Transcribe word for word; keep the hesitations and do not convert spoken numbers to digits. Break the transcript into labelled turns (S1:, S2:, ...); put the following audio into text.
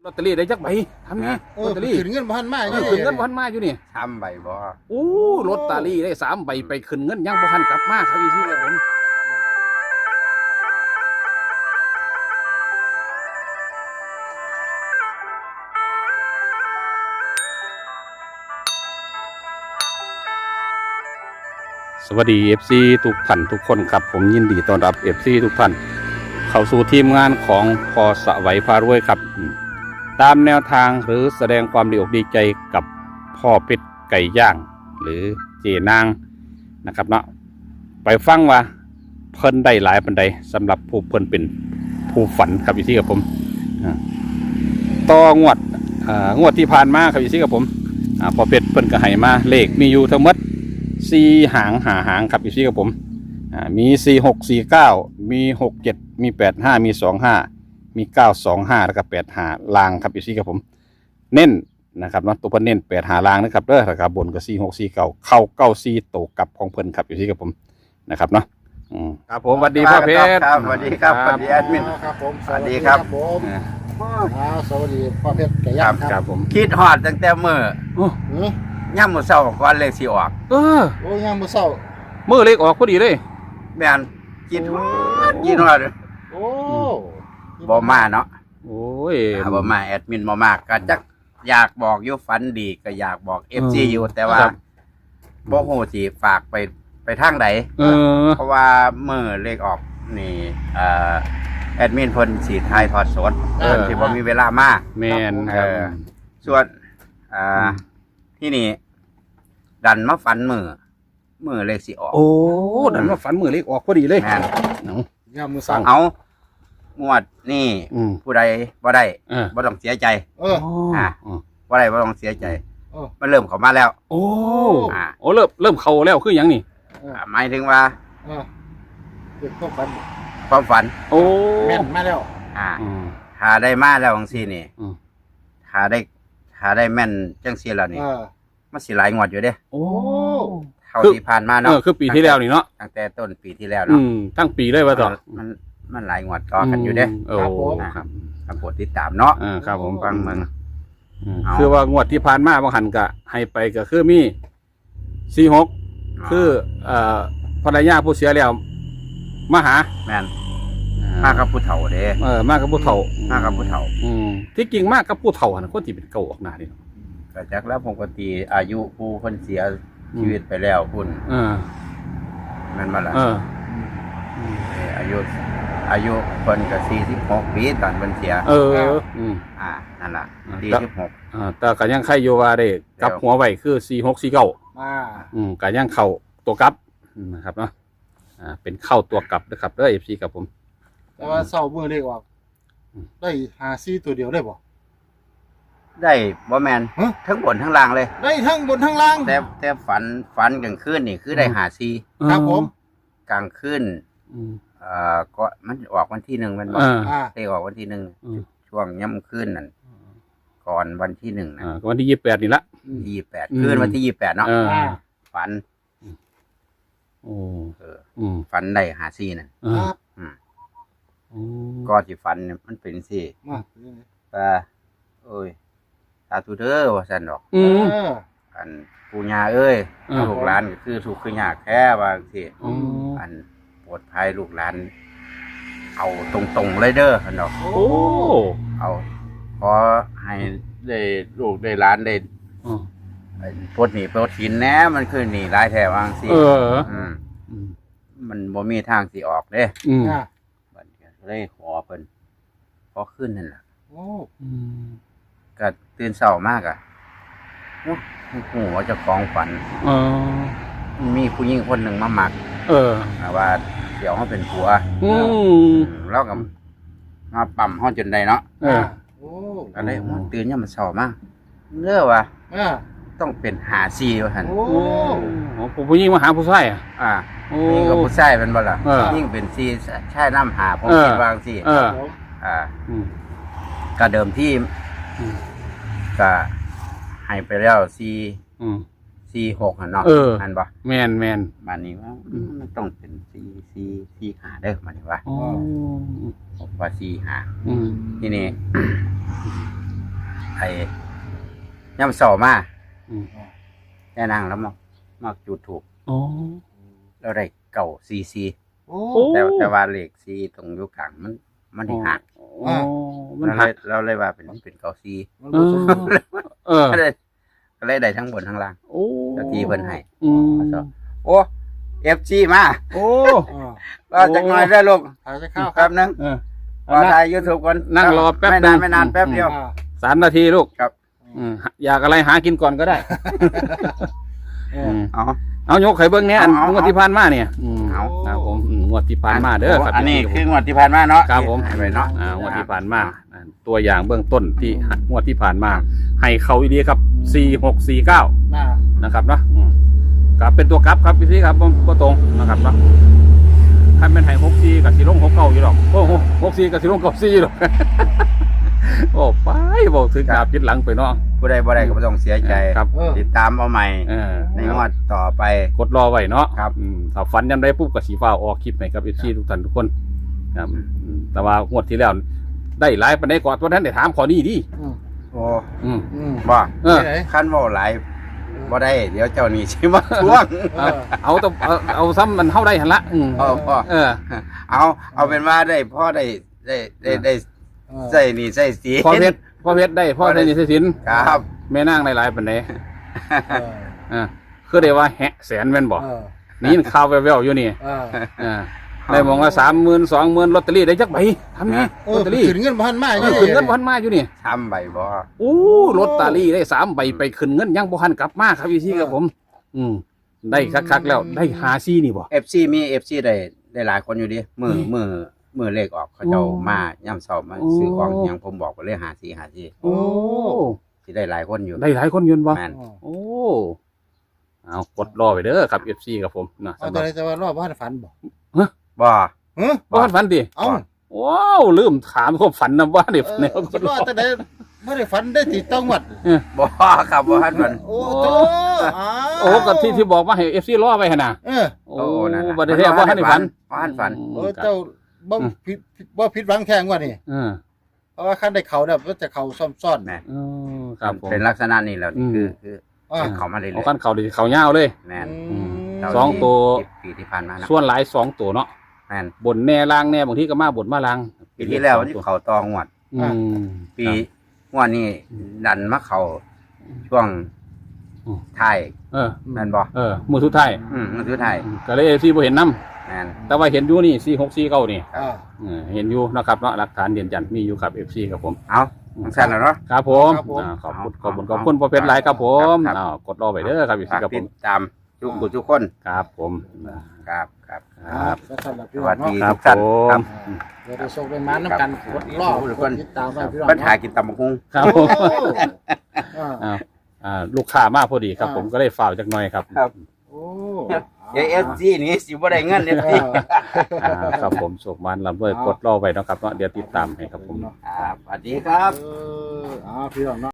S1: อตเตอรี่ได้จักใบทำไงลอตเตอรี่
S2: ขึ้นเงินพันมาอยู่
S1: ขึ้นเงินพันมาอยู่นี่
S3: ทำใบบ่
S1: โอ้ลอตเตอรี่ได้สามใบไปขึ้นเงินยังบ่ทันกลับมาครับพี่ที่ครับผมสวัสดี เอฟ ซี ทุกท่านทุกคนครับผมยินดีต้อนรับ เอฟ ซี ทุกท่านเข้าสู่ทีมงานของพอสวัยพารวยครับตามแนวทางหรือแสดงความดีอกดีใจกับพ่อเพชรไก่ย่างหรือเจนางนะครับเนาะไปฟังว่าเพิ่นได้หลายปันใดสำหรับผู้เพิ่นเป็นผู้ฝันครับอยู่ที่กับผมต่องวดงวดที่ผ่านมาครับอยู่ที่กับผมพ่อเพชรเพิ่นก็ให้มาเลขมีอยู่ทั้งหมดสี่หางหาหางครับอยู่ที่กับผมมีสี่หกสี่เก้ามีหกเจ็ดมีแปดห้ามีสองห้ามีเก้าสองห้าแล้วก็แปดห้าลางครับอยู่ที่กับผมเน้นนะครับเนาะตัวเพิ่นเน้นแปดหาลางนะครับเด้อราคาบนก็สี่หกสี่เก้าเข้าเก้าสี่โตกับของเพิ่นครับอยู่ที่กับผมนะครับเนาะครับผมสวัสดีพ่อเพชร
S3: ครับสวัสดีครับสวัสดีแอดมิน
S2: ครับผม
S3: สวัสดีครับ
S2: ผมสวัสดีพ่อเพชรไก่
S3: ค
S2: ย่า
S3: รั
S2: ง
S3: บ
S2: ค
S3: ค
S2: รั
S3: รั
S2: บบ
S3: ผมคิดฮอดตั้งแต่มื้อ
S1: โอ้
S2: หือย่
S3: ำมื้อเช้าก่อนเลขสิออก
S1: เออ
S2: โอ้ย่างมือเศร้า
S1: มือเล็กออกพอดีเลย
S3: แม่นคิดฮอดคิดฮอด
S2: โอ้
S3: บ่มาเนาะ
S1: โอ้ย
S3: บ่มาแอดมินบ่มาก็จักอยากบอกอยู่ฝันดีก็อยากบอก เอฟ ซี อยู่แต่ว่าบ่ฮู้สิฝากไปไปทางใด
S1: เออ
S3: เพราะว่ามื้อเลขออกนี่เอ่อแอดมินเพิ่นสิถ่ายทอดสดเพิ่นสิบ่มีเวลามา
S1: แมนครับ
S3: เออ ส่วนอ่าที่นี่ดันมาฝันมือมือเลขสิออก
S1: โอ้ดันมาฝันมือเล็กออกพอดีเลย
S3: แม่น
S1: เนาะ
S2: ย่างมือเศร้า
S3: เอางวดนี่
S1: อืม
S3: ผู้ใดบ่ได้
S1: เออ
S3: บ่ต้องเสียใจ
S2: เออ
S3: อ่า บ่ได้บ่ต้องเสียใจ
S2: เออ
S3: มันเริ่มเข้ามาแล้ว
S1: โอ้
S3: อ่า
S1: โอ้เริ่มเริ่มเข้าแล้วคือหยังนี่
S2: เออ
S3: อ่าหมายถึงว่า
S2: เออเด็กต้องฝัน
S3: ความฝัน
S1: โอ้
S2: แม่นมาแล้ว
S3: อ่า
S1: อืม
S3: ถ้าได้มาแล้วจังซี่นี่
S1: อืม
S3: ถ้าได้ถ้าได้แม่นจังซี่แล้วนี่
S2: เออ
S3: มันสิหลายงวดอยู่เด้
S1: โอ้
S3: เท่า
S1: คือ
S3: ที่ผ่านมา
S1: เอ
S3: เนาะ
S1: อคือปีที่แล้วนี่เนาะ
S3: ตั้งแต่ต้นปีที่แล้ว
S1: อื
S3: เนาะ
S1: มทั้งปีเลยว่าต่อ
S3: มันมันหลายงวดต่อกันอยู่เด้
S1: โอ้
S3: นะครับตามโปรดติดตามเนาะ
S1: อ่าครับผม
S3: ฟังเมือง
S1: อืม
S3: เอา
S1: คือว่างวดที่ผ่านมาบางหันก็ให้ไปก็คือมีสี่หกคือเอ่อภรรยาผู้เสียแล้วมาหา
S3: แม่นมากับผู้เฒ่าเด้
S1: เออมากกับผู้เฒ่า
S3: มากับผู้เฒ่า
S1: อืมที่จริงมากกับผู้เฒ่าน่ะคนที่เป็นเก่าออกหน้านี่เนาะ
S3: ก็จักแล้วปกติอายุผู้คนเสียชีวิตไปแล้วพุ่น
S1: เออ
S3: แม่นบ่ล่ะ
S1: เออ
S3: เอ่ออายุอายุเพิ่นก็สี่สิบหกปีตอนเพิ่นเสีย
S1: เอออืม
S3: อ่านั่นล่ะ
S1: อ่า
S3: สี่สิบหก
S1: อ่าแต่ก็ยังใครอยู่ว่าได้กลับหัวไว้คือสี่หกสี่เก้า
S2: มา
S1: อืมก็ยังเข้าตัวกลับนะครับเนาะอ่าเป็นเข้าตัวกลับนะครับเด้อ เอฟ ซี ครับผม
S2: แต่ว่าเศร้ามือเล็กออกได้หาซี่ตัวเดียวได้บ่
S3: ได้บ่แม่น
S2: ฮะ
S3: ทั้งบนทั้งล่างเลย
S2: ได้ทั้งบนทั้งล่าง
S3: แต่แต่ฝันฝันกลางคืนนี่คือได้หาซี
S2: ครับผม
S3: กลางคืน
S1: อืม
S3: เอ่อก็มันออกวันที่หนึ่งแมันบ่
S1: อ่า
S2: อ่า
S3: ได้ออกวันที่หนึ่ง
S1: อืม
S3: ช่วงย่ำคืนนั่นก่อนวันที่หนึ่งนะ
S1: อ่าก็วันที่ยี่สิบแปดนี่ละ
S3: ยี่สิบแปด
S1: อืม
S3: คืนวันที่ยี่สิบแปดเนาะ
S1: เออ
S2: อ่า
S3: ฝัน
S1: โอ้
S3: เออ
S1: อืม
S3: ฝันได้หาซีนั่น
S1: เอ
S2: ค
S1: อ
S2: รับ
S3: อืม
S1: อืม
S3: ก็ที่ฝันเนี่ยมันเป็นสิ
S2: มา
S3: ว่าโอ้ยตาตูเด้อว่าซั่นดอก
S1: อืม
S2: เออ
S3: อันปู่ย่าเอ้ย
S1: เออ
S3: ลูกหลานก็คือถูกข์คือยากแค่ว่าสิ
S1: อืม
S3: อันโปรดภัยลูกหลาน เอาตรงๆเลยเด้อซั่นดอก
S1: โอ้
S3: เอาขอให้ได้ลูกได้หลานได้
S1: อืม
S3: ไอ้ปลดหนี้ปลดหินแหน่มันคือหนี้หลายแท้ว่าจังซี่
S1: เออ
S3: อืม
S1: อืม
S3: มันบ่มีทางสิออกเด้
S1: อืม
S2: อ่า
S3: บัดนี้ก็เลยขอเพิ่นขอขึ้นนั่นล่ะ
S2: โอ้
S1: อืม
S3: ก็ตื่นเช้ามากอ่ะโอ้โหว่าเจะของฝัน
S1: เออ
S3: มีผู้หญิงคนหนึ่งมาหมัก
S1: เออ
S3: นะว่าเดี๋ยวเขาเป็นผัว
S1: อืม
S3: อืมแล้วก็มาปั๊มห้องจนได้เนาะ
S1: เออ
S2: โอ้
S3: ก็เลยมันตื่นยามมันเช้ามากเด้อว่า
S2: อ่า
S3: ต้องเป็นหาซีว่าหั่น
S2: โอ้
S1: โอ้ผู้หญิงมาหาผู้ชายอ่ะ
S3: อ่า
S1: โอ้
S3: ผู้หญิงกับผู้ชายเป็นบ่ล่ะ
S1: เออ
S3: ยิ่งเป็นซีใช่น้ำหาผม
S1: เออ
S3: คิดว่าจังซี่
S1: เออ
S2: ผม
S3: อ่า
S1: อืม
S3: ก็เดิมที่
S1: อืม
S3: ก็ให้ไปแล้วซี
S1: อืม
S3: ซีหกหั่นเนาะ
S1: เออ
S3: อันบ่
S1: แมนแมน
S3: มานี่ว่ามันต้องเป็นซีซีซีหาเด้อมานี่ว่า
S1: โอ้
S3: ผมว่าซีหา
S1: อืม
S3: ทีนี้ไอ้ย่ำเสามา
S1: อืม
S3: แค่นั่งแล้วมามาจุดถูก
S1: อ๋อ
S3: แล้วได้เก่าซีซี
S2: โอ้
S1: โอ้
S3: แต่แต่ว่าเลขซีตรงอยุกลางมันมันได้หัก
S1: อ๋อมัน
S3: เรา
S1: หั
S3: เล
S1: ก
S3: ยเราเลยว่าเป็นเป็นเก่าซี
S2: มัน
S1: เอ
S2: บ่
S1: อ
S2: สมบูรณ์
S1: เออ
S3: ก็เลยก็เลยได้ทั้งบนทั้งล่าง
S1: โอ้
S3: เจ้าที่เพิ่นให้
S1: อืม
S3: โอ้เอฟซีมา
S1: โอ้
S2: อ่า
S3: ก็จักหน่อยได้อลูก
S2: ถ่ายจะเข้าค
S3: แป๊
S2: รับบ
S3: นึง
S1: เออ
S3: รอถ่ายยูทูบก่อน
S1: นั่งรอแป๊บ
S3: ไม่นาน
S1: นึง
S3: ไม่นานแป๊บเดียว
S2: อ่า
S1: สามนาทีลูก
S3: ครับ
S1: อืมอยากอะไรหากินก่อนก็ได้
S2: เอ
S1: อื
S2: อ
S1: ม
S3: เอา
S1: เอายกไข่เบิ้งเนี้ยอัน
S3: เอาเอา
S1: งวดที่ผ่านมาเนี่ยอืม
S3: เอา
S1: ครับผมอืมงวดที่ผ่านมาเด้อครับ
S3: อันนี้
S1: พี่
S3: คืองวดที่ผ่านมาเนาะ
S1: ครับผม
S3: ให้ไปเนาะ
S1: อ่างวดที่ผ่านมาอ่าตัวอย่างเบื้องต้นที่งวดที่ผ่านมา ให้เขาอีดีครับสี่หกสี่เก้า
S2: น่า
S1: นะครับเนาะอืมกับเป็นตัวกลับครับพี่พี่ครับบ่บ่ตรงนะครับเนาะถ้าเป็นไห้หกสี่กับสีลงหกเก้าอยู่หรอกโอ้โหหกสี่กับสีลงเก้าสี่หรอก โอ้ไปบอกถึงดาบจิตหลังไปเนาะ
S3: ผู้ใดบ่ได้ก็บ่ต้องเสียใจ
S1: ครับ
S2: เออ
S3: ติดตามเอาใหม่
S1: เออ
S3: ในงวดต่อไป
S1: กดรอไว้เนาะ
S3: ครับ
S1: อืมถ้าฝันยังได้ปุ๊บก็สีฟ้าออกคลิปให้กับเอฟซีทุกท่านทุกคนครับอืมแต่ว่างวดที่แล้วได้หลายปานใดก่อนวันนั้นได้ถามขอนี้ดิ
S2: อืม
S3: โอ้
S1: อืม
S2: อืม
S3: บ่
S1: เออ
S2: ไหน
S3: คันเว้าหลายบ่ได้ เดี๋ยวเจ้านี่สิมาทวง
S2: เออ
S1: เอาต้องเอาเอาซ้ำมันเท่าได้หันละอืม
S3: เออพ่อ
S1: เออ
S3: เอาเอาเป็นว่าได้พ่อได้ได้ได้ได้
S2: เออ
S3: ใส่นี่ใส่สี
S1: พ่อเพชรพ่อเพชรได้พ่อได้นิสสิน
S3: ครับ
S1: แม่นางได้หลายปานใด
S2: เออ
S1: อ่าคือได้ว่าแหะแสนแม่นบ่
S2: เออ
S1: นี่ข่าวแว่วๆอยู่นี่
S2: เออ
S1: อ่าได้มองว่าสามหมื่นสองหมื่นลอตเตอรี่ได้จักใบทำไง
S2: เอ
S1: ลอ
S2: อ
S1: ตเตอรี่
S2: ขึ้นเงินพันมา
S1: เอ
S2: อยู่
S1: อขึ้นเงินพันมาอยู่นี่
S3: ทำใบบ่
S1: โอ้ลอตเตอรี่ได้สามใบไปขึ้นเงินยังบ่ทันกลับมาครับพี่ซี่ครับผม อืมได้คักๆแล้วได้หาซี่นี่บ่
S3: เอฟซีมี เอฟ ซี ได้ได้หลายคนอยู่ดิมือ
S1: นี่
S3: มือมือเลขออกเขาเจ้า
S1: โอ้
S3: มาย่ำเช้ามา
S1: โอ้
S3: ซื้อของอหยังผมบอกว่าเลขหาสีหาสี
S1: โอ้
S3: ที่ได้หลายคนอยู่
S1: ได้หลายคนยืนบ่
S3: แม่น
S1: โอ้เอากดรอไปเด้อครับ เอฟ ซี ครับผมนะ
S2: เอา
S1: สำห
S2: แต่
S1: รับ
S2: ไรแต่ว่ารอบบ้านฝันบ่
S3: บ่
S2: เฮ้ย
S1: บ่ทันฝันดิ
S2: เอ้า
S1: ว้าวลืมถามความฝันนะว่าเดี๋ยว
S2: เออ
S1: แนว
S2: คิดว่าแต่ไหนไม่ได้ฝันได้ติดต้องหวัด
S3: บ่ครับบ่ฮันมัน
S2: โอ้โตอ้าว
S1: โอ้ก็ที่ที่บอกว่าให้ เอฟ ซี รอไว้หั่นน่ะ
S2: เออ
S1: โอ้
S3: โอ้นั่นน่ะ
S1: บ่ได้แท้บ่ทันได้ฝัน
S3: บ่ทันฝัน
S2: โอ้เจ้าบ่ผิดบ่ผิดหวังแข่งว่านี่
S1: เออ
S2: เพราะว่าคันได้เขาเนี่ยมันจะเขาซ่อมซ่อน
S3: แม่น
S1: เออครับผม
S3: เป็นลักษณะนี้แล้วนี่
S1: อืม
S3: คือคือ
S2: อ่า
S3: เขามาเรื่อย
S1: เอาคันเขาดิเขายาวเลย
S3: ๆแม่น
S2: อืม
S3: เจ้า
S1: สองตัว
S3: ที่ปีที่ผ่านมานะ
S1: ส่วนหลายสองตัวเนาะ
S3: แม่น
S1: บนแน่ล่างแน่บางทีก็มาบนมาล่าง
S3: ปีที่แล้วที่เขาตองวด
S1: อืม
S3: ปีงวดนี้ดันมาเขาช่วง
S1: อืม
S3: ท้าย
S1: เออ
S3: แม่นบ่
S1: เออมือสุดท้าย
S3: อืมมันคือท้าย
S1: ก็เลย เอฟ ซี บ่เห็นนํ
S3: แม่น
S1: แต่ว่าเห็นอยู่นี่สี่หกสี่เก้านี่
S2: อ่า
S1: เออเห็นอยู่นะครับเนาะหลักฐานยืนยันมีอยู่กับ เอฟ ซี ครับผม
S3: เอาจังซั่นแล้วเนาะ
S1: ครับผม
S2: ครับผม
S1: อ่าขอบคุณข
S3: เอา
S1: อบคุณข
S3: เอา
S1: อบคุณพ่อเพชรหลายครับผม
S3: ครับ
S1: อ่ากดรอไปเด้อครับพี่
S3: ฝาก
S1: ครับผ
S3: ติด
S1: ม
S3: ตามทุกผู้ทุกคน
S1: ครับผม
S3: ครับครับ
S1: ครับ
S2: แล้วสำหรับ
S3: ส
S2: พี่น้
S3: วั
S2: อ
S3: ส
S2: ง
S3: ดี
S2: เนาะ
S1: ครับ
S3: ทุกท่าน
S1: ผ
S3: ครั
S1: ม
S3: บ
S2: เดี๋ยวเราส่งไปมาน้ำกันกดรอบ
S3: ทุก
S2: ก
S3: ค
S2: ด
S3: น
S2: ติดตามไว้พี่น้อง
S3: ปัญหากินตำบักหุ่ง
S1: ครับผม
S2: อ่า
S1: อ่าอ่าลูกค้ามาพอดีครับ
S2: อ่า
S1: ผมก็เลยฝ่าวจักหน่อยครับ
S3: ครับ
S2: โอ้
S3: เอฟซีนี่สิบ่ได้เงินเอฟซี
S1: อ่าครับผมโศกมันลำด้วยกดรอไว้เนาะครับเนาะเดี๋ยวติดตามให้ครับผม
S3: ครับสวัสดีครับ
S2: เอออ่าพี่น้องเนาะ